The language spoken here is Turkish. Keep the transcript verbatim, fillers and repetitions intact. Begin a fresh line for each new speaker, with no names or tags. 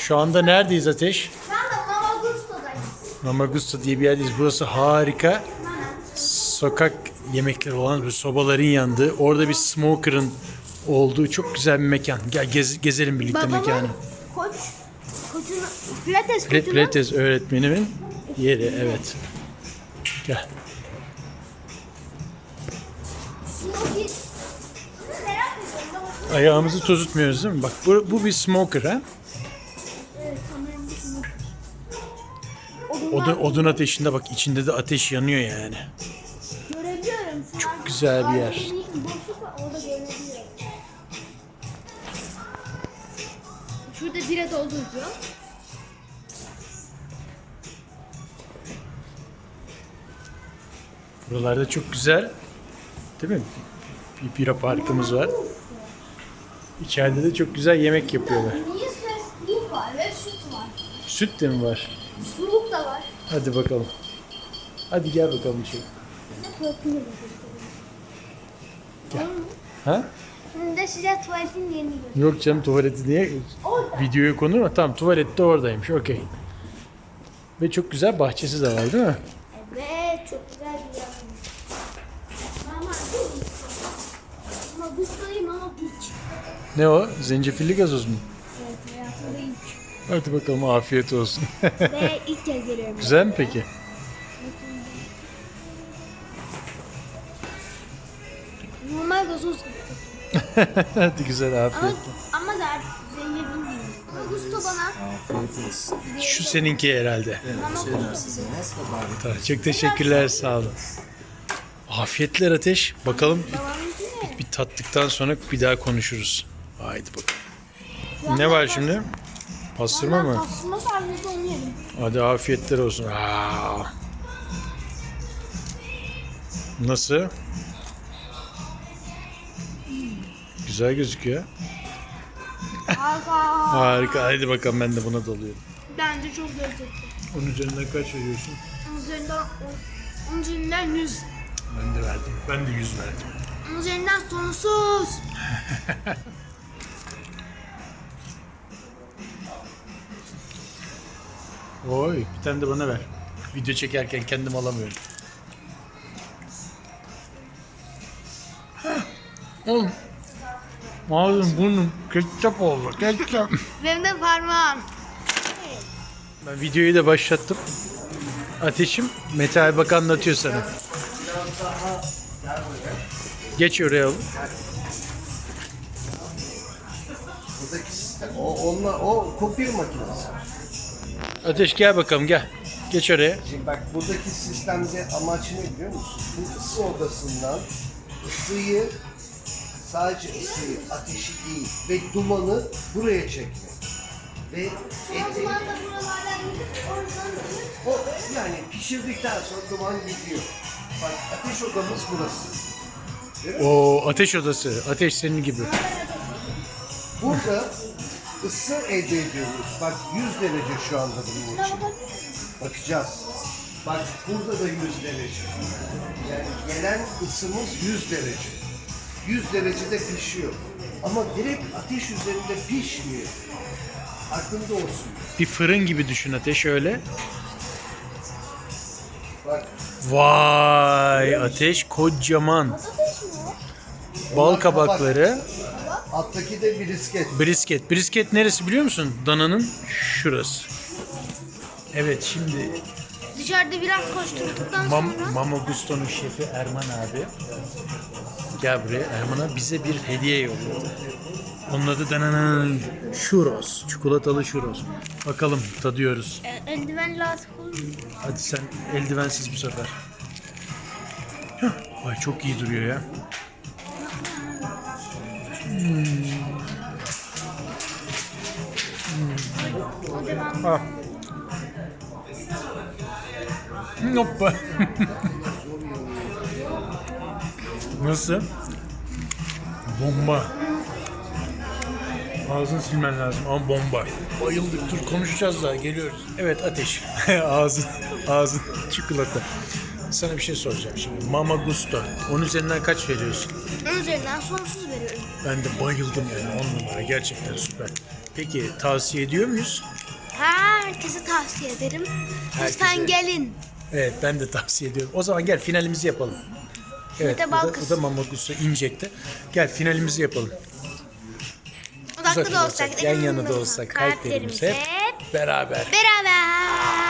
Şu anda neredeyiz Ateş?
Şu anda Mama Gusto'dayız.
Mama Gusto diye bir yerdeyiz. Burası harika. Sokak yemekleri olan bir sobaların yandığı. Orada bir smoker'ın olduğu çok güzel bir mekan. Gel gez, gezelim birlikte
Babamın
mekanı.
koç, koçun, pilates
Pil-
koçunun
Pilates öğretmenimin yeri, evet. Gel.
smoky. Merak ediyorum.
Ayağımızı tozutmuyoruz değil mi? Bak bu, bu bir smoker ha.
Evet, sanırım bir smoky.
Odun, odun ateşinde bak, içinde de ateş yanıyor yani.
Görebiliyorum. Şu
Çok
an
güzel bir yer.
ailenin boşluk var, orada görebiliyorum. Şurada bira dolduruyor.
Buralarda çok güzel. Değil mi? Bir bira parkımız var. İçeride de çok güzel yemek yapıyorlar.
Niye suluk var ve süt var.
Süt de mi var?
Suluk da var.
Hadi bakalım. Hadi gel bakalım içeri. Gel. Ha?
Şimdi de size tuvaletin yerini göstereyim.
Yok canım, tuvaleti niye?
Orada.
Videoya konur mu? Tamam, tuvalet de oradaymış. Okey. Ve çok güzel bahçesi de var değil mi?
Evet, çok güzel bir yer. Mama Mama Gusto'yum ama hiç.
Ne o? Zencefilli gazoz mu?
Evet, hayatımda ilk.
Hadi bakalım, afiyet olsun.
Ve ilk kez geliyorum.
Güzel mi peki?
Normal gazoz gibi.
Hadi güzel,
Ama,
afiyet.
ama da artık zencefil değil. Mama Gusto bana.
Afiyet olsun.
Şu seninki herhalde.
Mama
Şeyler
Gusto
size
bize.
nasıl bari?
Tamam, çok teşekkürler, sağ olun. Afiyetler Ateş. Bakalım
Babamınki ne?
bir tattıktan sonra bir daha konuşuruz. Haydi bakalım. Ne var şimdi? Pastırma mı?
Pastırma sarması onu yedim.
Hadi afiyetler olsun. Aa. Nasıl? Güzel gözüküyor.
Harika.
Harika. Hadi bakalım, ben de buna dalıyorum.
Bence çok lezzetli.
Onun üzerinden kaç veriyorsun?
Onun üzerinden, onun üzerinden yüz.
Ben de verdim. Ben de yüz verdim.
Onun üzerinden sonsuz.
Oy, bir tane de bana ver. Video çekerken kendim alamıyorum. Heh. Oğlum. Ağzım, burnum ketçap oldu. Ketçap.
Benim de parmağım.
Ben videoyu da başlattım. Ateşim, Mete abi bak anlatıyor sana. Geç oraya oğlum.
Buradaki sistem, o, onunla, o kopya makinesi.
Ateş gel bakalım, gel. Geç oraya.
Şimdi bak, buradaki sistemde amaç ne biliyor musun? Bu ısı odasından ısıyı, sadece ısıyı, ateşi değil ve dumanı buraya çekmek. Ve eti,
Duman da buralardan gidip oradan gidip.
o yani pişirdikten sonra duman gidiyor. Bak, ateş odamız burası.
O ateş odası. Ateş senin gibi.
Burada ısı elde ediyoruz. Bak, yüz derece şu anda bunun için. Bakacağız. Bak, burada da yüz derece. Yani gelen ısımız yüz derece. yüz derecede pişiyor. Ama direkt ateş üzerinde pişmiyor. Aklında olsun.
Bir fırın gibi düşün Ateş, öyle.
Bak,
Vay, Ateş kocaman. Bal kabakları.
alttaki de brisket.
Brisket. Brisket neresi biliyor musun? Dananın şurası. Evet, şimdi
Dışarıda biraz koşturduktan
Mam
sonra
Mama Gusto'nun şefi Erman abi. Gel buraya. Erman abi bize bir hediye yolladı. Onun adı Dananın Churros. Çikolatalı churros. Bakalım, tadıyoruz.
e, eldiven lazım olur mu?
Hadi sen eldivensiz bu sefer. Hah, ay çok iyi duruyor ya.
O devam.
Ha. Hoppa. Nasıl? Bomba. Ağzını silmen lazım ama bomba. Bayıldık. Dur, konuşacağız daha, geliyoruz. Evet Ateş. ağzın, ağzın çikolata. Sana bir şey soracağım şimdi. Mama Gusto. Onun üzerinden kaç veriyorsun?
Onun üzerinden sonsuz veriyorum.
Ben de bayıldım yani. On numara. Gerçekten süper. Peki tavsiye ediyor muyuz?
Herkese tavsiye ederim. Lütfen
Herkese.
gelin.
Evet ben de tavsiye ediyorum. O zaman gel finalimizi yapalım. Evet
Mete
bu da,
Balkız.
bu da Mama Gusto inecekti. Gel finalimizi yapalım.
Uzakta
Uzakta
da olsak,
yan yana da
yakında
olsak kalplerimiz hep
hep
beraber.
beraber.